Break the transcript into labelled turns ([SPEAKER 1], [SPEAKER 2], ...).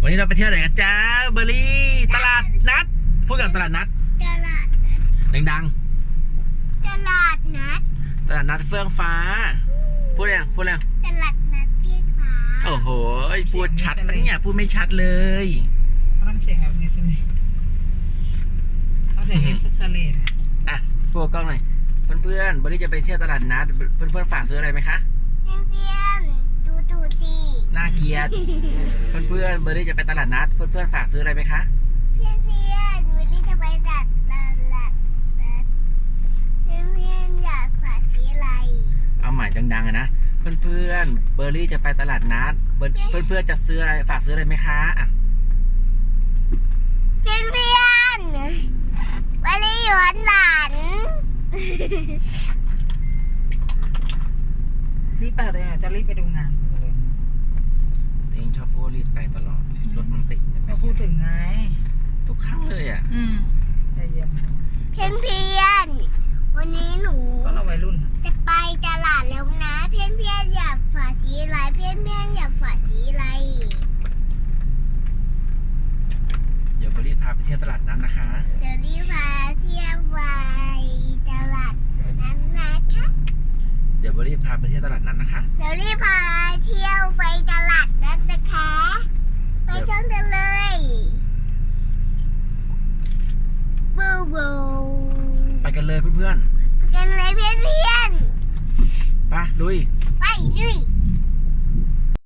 [SPEAKER 1] วันนี้เราไปเที่ยวไหนกันจ้าเบอร์รี่ตลาดนัดพูดกับตลาดนัด
[SPEAKER 2] ตลาดนัด
[SPEAKER 1] ดัง
[SPEAKER 2] ตลาดนัด
[SPEAKER 1] ๆตลาดนัดเฟื่องฟ้าพูดแล้ว
[SPEAKER 2] ตลาดนัดเพียงฟ้า
[SPEAKER 1] โอ้โหพูดชัดนะเนี่ยพูดไม่ชัดเลย
[SPEAKER 3] เขาทำเสียงแบบนี้สิเขาเสียงแบบสเลด
[SPEAKER 1] อ่ะพูดกล้องหน่อยเพื่อนๆเบอร์รี่จะไปเที่ยวตลาดนัดเพื่อนๆฝากซื้ออะไรไหมคะ
[SPEAKER 2] เพื่อนๆดูสิ
[SPEAKER 1] น่าเกลียดเพื่อนๆเบอร์รี่จะไปตลาดนัดเพื่อนๆฝากซื้ออะไรไหมคะ
[SPEAKER 2] เพื่อนๆวันนี้จะไปตลาดนัดเพื่อนๆอยากฝากซื้ออะไร
[SPEAKER 1] เอาใหม่ดังๆนะเพื่อนๆเบอร์รี่จะไปตลาดนัดเพื่อนๆจะซื้ออะไรฝากซื้ออะไรไหมคะอ่ะ
[SPEAKER 2] เพื่อนวันนี้อยู่วันหลาน
[SPEAKER 3] รีบไปเลยจะรีบไปดูงานเลย
[SPEAKER 1] เองชอบพูดรีบไปตลอดรถมันติด
[SPEAKER 3] ก็พูดถึงไง
[SPEAKER 1] ทุกครั้งเลยอ่ะ
[SPEAKER 3] ใจเย็น
[SPEAKER 2] เพื่อนวันนี้หนู
[SPEAKER 3] ก็เราวัยรุ่น
[SPEAKER 2] จะไปตลาดแล้วนะเพื่อนอยากฝากซื้ออะไรเพื่อนอยากฝากซื้ออะไร
[SPEAKER 1] เดี๋ยวเบอร์รี่พาไปเที่ยวตลาดนั้นนะคะ
[SPEAKER 2] เดี๋ยวรีบพาเที่ยวไปตลาดนั้นนะคะ
[SPEAKER 1] เดี๋ยวเบอร์รี่พาไปเที่ยวตลาดนั้นนะคะ
[SPEAKER 2] เดี๋ยวรีบพาเที่ยวไปตลาดนั้นนะคะไปชมกันเลยบูบู
[SPEAKER 1] ไปกันเลยเพื่อน
[SPEAKER 2] ๆไปกันเลยเพื่อน
[SPEAKER 1] ๆไปลุย
[SPEAKER 2] ไปลุย